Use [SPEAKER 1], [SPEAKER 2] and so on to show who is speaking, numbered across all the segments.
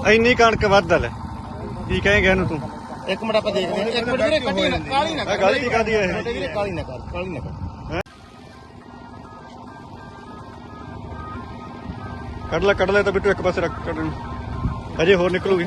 [SPEAKER 1] ਇੰਨੀ ਕਣਕ ਵੱਧ ਲੈ ਕੀ ਕਹੇਂਗੇ ਇਹਨੂੰ ਤੂੰ?
[SPEAKER 2] ਇੱਕ ਮਿੰਟ ਆਪਾਂ ਦੇਖਦੇ ਹਾਂ। ਇੱਕ ਮਿੰਟ ਵੀਰੇ ਕੱਟੀ ਨਾ, ਕਾਲੀ ਨਾ ਕਰ।
[SPEAKER 1] ਗਲਤੀ ਕਾਹਦੀ ਹੈ ਇਹ?
[SPEAKER 2] ਵੀਰੇ ਕਾਲੀ ਨਾ ਕਰ, ਕਾਲੀ ਨਾ ਕਰ।
[SPEAKER 1] ਕੱਢ ਲੈ ਤਾਂ ਬਿੱਟੂ ਇੱਕ ਪਾਸੇ ਰੱਖ ਕੱਢ ਨੂੰ ਅਜੇ ਹੋਰ ਨਿਕਲੂਗੀ।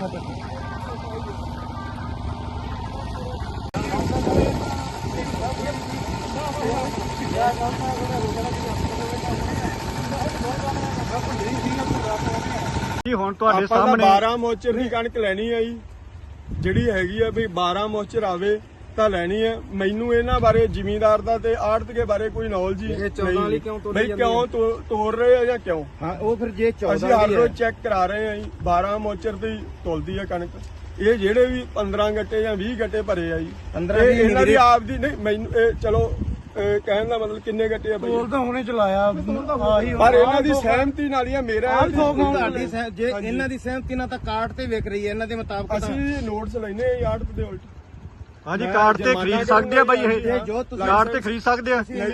[SPEAKER 1] ਹੁਣ ਤੁਹਾਡੇ ਸਾਹਮਣੇ
[SPEAKER 3] 12 ਮੋਚਰ ਦੀ ਕਣਕ ਲੈਣੀ ਆ ਜੀ, ਜਿਹੜੀ ਹੈਗੀ ਆ ਵੀ 12 ਮੋਚਰ ਆਵੇ ਤਾਂ ਲੈਣੀ ਹੈ। ਮੈਨੂੰ ਇਹਨਾਂ ਬਾਰੇ ਜ਼ਿਮੀਂਦਾਰ ਦਾ ਤੇ ਆੜਤੀਏ ਬਾਰੇ ਕੋਈ ਨੌਲੇਜ ਹੀ ਨਹੀਂ। 14 ਵਾਲੀ ਕਿਉਂ ਤੋੜੀ ਜਾਂਦੀ ਹੈ? ਕਿਉਂ ਤੋੜ ਰਹੇ ਆ ਜਾਂ ਕਿਉਂ?
[SPEAKER 2] ਹਾਂ ਉਹ ਫਿਰ ਜੇ 14
[SPEAKER 3] ਅਸੀਂ ਹਰ ਰੋਜ਼ ਚੈੱਕ ਕਰਾ ਰਹੇ ਆ ਜੀ। 12 ਮੋਚਰ ਦੀ ਤੋਲਦੀ ਆ ਕਣਕ। ਇਹ ਜਿਹੜੇ ਵੀ 15 ਗੱਟੇ ਜਾਂ 20 ਗੱਟੇ ਭਰੇ ਆ ਜੀ, 15 ਇਹਨਾਂ ਦੀ ਆਪ ਦੀ ਨਹੀਂ। ਮੈਨੂੰ ਇਹ ਚਲੋ ਕਹਿਣ ਦਾ ਮਤਲਬ ਕਿੰਨੇ ਗੱਟੇ ਆ ਬਈ?
[SPEAKER 4] ਤੋਲ ਤਾਂ ਹੁਣੇ ਚਲਾਇਆ ਆਹੀ,
[SPEAKER 3] ਪਰ ਇਹਨਾਂ ਦੀ ਸਹਿਮਤੀ ਨਾਲ ਹੀ ਆ। ਮੇਰਾ
[SPEAKER 2] ਤੁਹਾਡੀ ਜੇ ਇਹਨਾਂ ਦੀ ਸਹਿਮਤੀ ਨਾਲ ਤਾਂ ਕਾਰਡ ਤੇ ਵਿਕ ਰਹੀ ਹੈ ਇਹਨਾਂ ਦੇ ਮੁਤਾਬਕ।
[SPEAKER 3] ਅਸੀਂ ਨੋਟਸ ਲੈਨੇ ਆ ਆੜਤ ਦੇ ਉਲਟ।
[SPEAKER 1] ਹਾਂਜੀ ਕਾਰਡ ਤੇ ਖਰੀਦ ਸਕਦੇ ਆ ਬਾਈ ਇਹ?
[SPEAKER 2] ਜੋ ਤੁਸੀਂ
[SPEAKER 1] ਕਾਰਡ ਤੇ ਖਰੀਦ ਸਕਦੇ ਆ?
[SPEAKER 3] ਨਹੀਂ,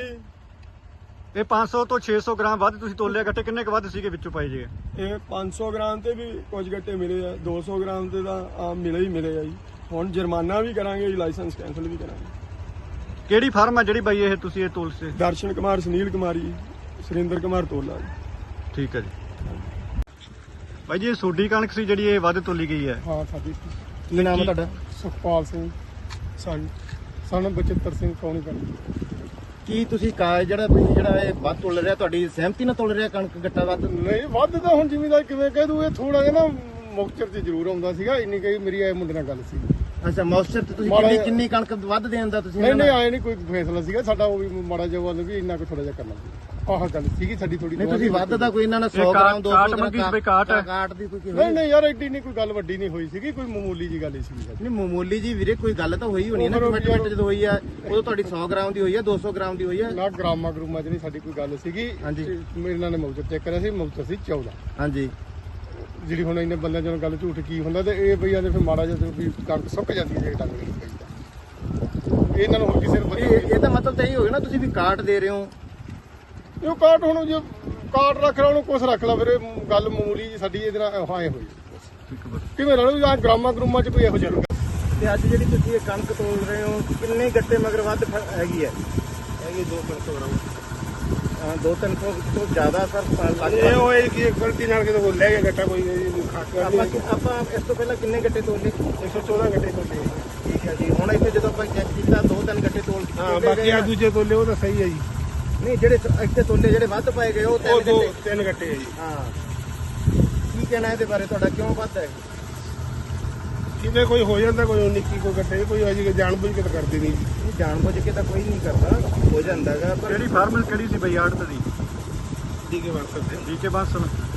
[SPEAKER 1] ਇਹ 500 ਤੋਂ 600 ਗ੍ਰਾਮ ਵੱਧ ਤੁਸੀਂ ਤੋਲਿਆ ਗੱਟੇ ਕਿੰਨੇ ਕੁ ਵੱਧ ਸੀਗੇ ਵਿੱਚੋਂ ਪਾਏ ਜੇ?
[SPEAKER 3] ਇਹ 500 ਗ੍ਰਾਮ ਤੇ ਵੀ ਕੁਝ ਗੱਟੇ ਮਿਲੇ ਆ, 200 ਗ੍ਰਾਮ ਤੇ ਤਾਂ ਆਮ ਮਿਲੇ ਹੀ ਮਿਲੇ ਆ ਜੀ। ਹੁਣ ਜੁਰਮਾਨਾ ਵੀ ਕਰਾਂਗੇ ਜੀ, ਲਾਇਸੈਂਸ ਕੈਂਸਲ ਵੀ ਕਰਾਂਗੇ।
[SPEAKER 1] ਕਿਹੜੀ ਫਰਮ ਆ ਜਿਹੜੀ ਬਾਈ ਇਹ ਤੁਸੀਂ ਇਹ ਤੋਲ ਸੇ?
[SPEAKER 3] ਦਰਸ਼ਨ ਕੁਮਾਰ, ਸੁਨੀਲ ਕੁਮਾਰੀ, ਸੁਰਿੰਦਰ ਕੁਮਾਰ ਤੋਲਾ ਜੀ।
[SPEAKER 1] ਠੀਕ ਹੈ ਜੀ। ਬਾਈ ਜੀ ਇਹ ਸੋਡੀ ਕਣਕ ਸੀ ਜਿਹੜੀ ਇਹ ਵੱਧ ਤੋਲੀ ਗਈ ਹੈ?
[SPEAKER 4] ਹਾਂ ਸਾਡੀ
[SPEAKER 2] ਕੀ ਨਾਮ ਹੈ ਤੁਹਾਡਾ?
[SPEAKER 4] ਸੁਖਪਾਲ ਸਿੰਘ ਸਨ ਬਚਿੱਤਰ ਸਿੰਘ ਕੌਣੀ ਪਿੰਡ।
[SPEAKER 2] ਕੀ ਤੁਸੀਂ ਜਿਹੜਾ ਇਹ ਵੱਧ ਤੋਲ ਰਿਹਾ, ਤੁਹਾਡੀ ਸਹਿਮਤੀ ਨਾਲ ਤੋਲ ਰਿਹਾ ਕਣਕ ਗੱਟਾ ਵੱਧ?
[SPEAKER 4] ਨਹੀਂ ਵੱਧ ਤਾਂ ਹੁਣ ਜ਼ਿਮੀਂਦਾਰ ਕਿਵੇਂ ਕਹਿ ਦੂ, ਇਹ ਥੋੜਾ ਜਿਹਾ ਨਾ ਮੁਕਤਸਰ 'ਚ ਜ਼ਰੂਰ ਆਉਂਦਾ ਸੀਗਾ। ਇੰਨੀ ਕਈ ਮੇਰੀ ਇਹ ਮੁੰਡੇ ਨਾਲ ਗੱਲ ਸੀ।
[SPEAKER 2] ਅੱਛਾ ਮੌਸਚਰ ਤੇ ਤੁਸੀਂ ਕਿੰਨੀ ਕਣਕ ਵੱਧ ਦੇਣ ਦਾ ਤੁਸੀਂ?
[SPEAKER 4] ਨਹੀਂ ਆਏ ਨਹੀਂ ਕੋਈ ਫੈਸਲਾ ਸੀਗਾ ਸਾਡਾ, ਉਹ ਵੀ ਮਾੜਾ ਜਿਹਾ ਵੱਲ ਵੀ ਇੰਨਾ ਕੁ ਥੋੜਾ ਜਿਹਾ ਕਰਨਾ ਸੀ। ਆਹ ਗੱਲ ਸੀਗੀ ਸਾਡੀ ਥੋੜੀ।
[SPEAKER 2] ਨਹੀਂ ਤੁਸੀਂ ਵੱਧ ਦਾ ਕੋਈ ਇਹਨਾਂ ਨਾਲ 100 ਗ੍ਰਾਮ 200
[SPEAKER 1] ਕਾਟ ਮੰਗੀ ਸੀ ਬਈ?
[SPEAKER 2] ਕਾਟ ਦੀ ਕੋਈ
[SPEAKER 4] ਨਹੀਂ ਯਾਰ ਐਡੀ ਨਹੀਂ ਕੋਈ ਗੱਲ ਵੱਡੀ ਨਹੀਂ ਹੋਈ ਸੀਗੀ, ਕੋਈ ਮਾਮੂਲੀ ਜੀ ਗੱਲ ਹੀ ਸੀਗੀ ਸਾਡੀ।
[SPEAKER 2] ਨਹੀਂ ਮਾਮੂਲੀ ਜੀ ਵੀਰੇ ਕੋਈ ਗੱਲ ਤਾਂ ਹੋਈ ਹੋਣੀ ਹੈ ਨਾ। ਕਮਿਟਮੈਂਟ ਜਦੋਂ ਹੋਈ ਆ ਉਦੋਂ ਤੁਹਾਡੀ 100 ਗ੍ਰਾਮ ਦੀ ਹੋਈ ਆ, 200 ਗ੍ਰਾਮ ਦੀ ਹੋਈ ਆ
[SPEAKER 4] ਨਾ। ਗ੍ਰਾਮਾਂ ਚ ਨਹੀਂ ਸਾਡੀ ਕੋਈ ਗੱਲ ਸੀਗੀ।
[SPEAKER 2] ਹਾਂਜੀ
[SPEAKER 4] ਮੇਰੇ ਨਾਲ ਮੌਜੂਦ ਚੈੱਕ ਕਰਿਆ ਸੀ, ਮੌਜੂਦ ਸੀ 14।
[SPEAKER 2] ਹਾਂਜੀ
[SPEAKER 4] ਜਿਹੜੀ ਹੁਣ ਇਹਨੇ ਬੰਦਿਆਂ ਜਦੋਂ ਗੱਲ ਝੂਠ ਕੀ ਹੁੰਦਾ ਤੇ ਇਹ ਬਈ ਆਦੇ ਫਿਰ ਮਾੜਾ ਜਿਹਾ ਵੀ ਕਣਕ ਸੁੱਕ ਜਾਂਦੀ ਹੈ ਜੇ ਡੰਗ ਨਹੀਂ ਪਈਦਾ। ਇਹਨਾਂ ਨੂੰ ਹੁਣ ਕਿਸੇ ਨੂੰ
[SPEAKER 2] ਇਹ ਤਾਂ ਮਤਲਬ ਤਾਂ ਇਹ ਹੋ ਗਿਆ ਨਾ ਤੁਸੀਂ ਵੀ ਕਾਟ ਦੇ ਰਹੇ ਹੋ।
[SPEAKER 4] ਇਹ ਕਾਟ ਹੁਣ ਜੇ ਕਾਟ ਰੱਖ ਲਾ ਉਹਨੂੰ ਕੁਛ ਰੱਖ ਲਾ, ਫਿਰ ਇਹ ਗੱਲ ਮਾਮੂਲੀ ਜੀ ਸਾਡੀ ਇਹਦੇ ਨਾਲ ਹਾਂ ਹੋਈ ਕਿਵੇਂ ਰਲੋ ਜਾਂ ਗ੍ਰਾਮਾਂ ਚ ਕੋਈ ਇਹੋ ਜਿਹਾ।
[SPEAKER 2] ਤੇ ਅੱਜ ਜਿਹੜੀ ਤੁਸੀਂ ਇਹ ਕਣਕ ਤੋਲ ਰਹੇ ਹੋ ਕਿੰਨੇ ਗੱਟੇ ਮਗਰ ਵੱਧ ਹੈਗੀ ਹੈ?
[SPEAKER 3] ਹੈਗੀ 200 ਗ੍ਰਾਮ।
[SPEAKER 2] 200-300 ਤੋਂ ਜ਼ਿਆਦਾ ਸਰ
[SPEAKER 3] ਇਹ ਹੋਏ ਕਿ ਗਲਤੀ ਨਾਲ ਕਿਤੇ ਹੋ ਲੈ ਗਿਆ ਗੱਟਾ ਕੋਈ
[SPEAKER 2] ਆਪਾਂ ਇਸ ਤੋਂ ਪਹਿਲਾਂ ਕਿੰਨੇ ਗੱਟੇ ਤੋਲੇ?
[SPEAKER 3] 114 ਗੱਟੇ ਤੋਲੇ।
[SPEAKER 2] ਠੀਕ ਹੈ ਜੀ। ਹੁਣ ਇੱਥੇ ਜਦੋਂ ਆਪਾਂ ਚੈੱਕ ਕੀਤਾ 2-3 ਗੱਟੇ ਤੋਲ
[SPEAKER 3] ਹਾਂ, ਬਾਕੀ ਆ ਦੂਜੇ ਤੋਲੇ ਉਹ ਤਾਂ ਸਹੀ ਹੈ ਜੀ।
[SPEAKER 2] ਨਹੀਂ ਜਿਹੜੇ ਇੱਥੇ ਤੋਲੇ ਜਿਹੜੇ ਵੱਧ ਪਾਏ ਗਏ ਉਹ
[SPEAKER 3] 3 ਗੱਟੇ ਹੈ ਜੀ।
[SPEAKER 2] ਹਾਂ ਕੀ ਕਹਿਣਾ ਇਹਦੇ ਬਾਰੇ ਤੁਹਾਡਾ, ਕਿਉਂ ਵੱਧ ਹੈ?
[SPEAKER 3] ਕਿਤੇ ਕੋਈ ਹੋ ਜਾਂਦਾ, ਕੋਈ ਨਿੱਕੀ ਕੋਈ ਗੱਟੇ, ਕੋਈ ਅਜੀ ਜਾਣਬੁੱਝ ਕੇ ਤਾਂ ਕਰਦੇ ਨਹੀਂ ਜੀ।
[SPEAKER 2] ਇਹ ਜਾਣਬੁੱਝ ਕੇ ਤਾਂ ਕੋਈ ਨਹੀਂ ਕਰਦਾ, ਹੋ ਜਾਂਦਾਗਾ।
[SPEAKER 1] ਕਿਹੜੀ ਫਾਰਮਲ ਕਿਹੜੀ ਸੀ ਬਈ ਆੜਤ ਦੀ?
[SPEAKER 3] ਠੀਕ ਹੈ ਬਸ।
[SPEAKER 1] ਠੀਕ ਹੈ ਬਸ।